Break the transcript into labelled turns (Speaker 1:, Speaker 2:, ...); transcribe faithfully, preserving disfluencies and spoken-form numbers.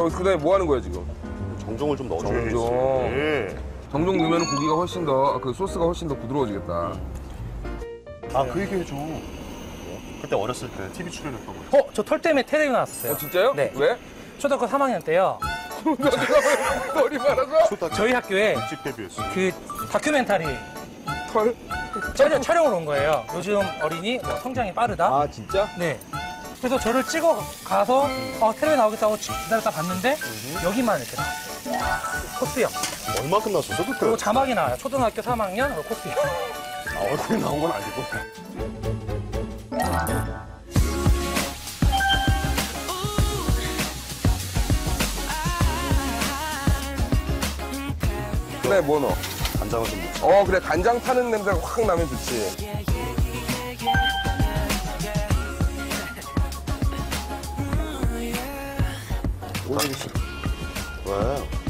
Speaker 1: 저 그다음에 뭐 하는 거야 지금?
Speaker 2: 정종을 좀 넣어줘야지.
Speaker 1: 정종.
Speaker 2: 예.
Speaker 1: 정종 넣으면 고기가 훨씬 더 그 소스가 훨씬 더 부드러워지겠다.
Speaker 2: 아, 그 얘기 해줘. 그때 어렸을 때 티비 출연했던 거.
Speaker 3: 어, 저 털 때문에 테레비 나왔었어요.
Speaker 1: 어, 진짜요?
Speaker 3: 네.
Speaker 1: 왜?
Speaker 3: 초등학교 삼 학년 때요.
Speaker 1: 머리 말아서
Speaker 2: 저희
Speaker 3: 저희 학교에
Speaker 2: 집 데뷔했어.
Speaker 3: 그 다큐멘터리
Speaker 1: 털?
Speaker 3: 촬영, 촬영을 온 거예요. 요즘 어린이 뭐 성장이 빠르다.
Speaker 1: 아 진짜?
Speaker 3: 네. 그래서 저를 찍어 가서 어, 텔레비 나오겠다고 기다렸다 봤는데 여기만 이렇게 나왔어요. 코스형.
Speaker 2: 얼마큼 났었어 그때?
Speaker 3: 그리고 자막이 나와요. 초등학교 삼 학년 코스형.
Speaker 2: 아, 얼굴이 나온 건 아니고.
Speaker 1: 그래 뭐 넣어?
Speaker 2: 간장을 좀 넣자.
Speaker 1: 어 그래 간장 타는 냄새가 확 나면 좋지.
Speaker 2: 왜?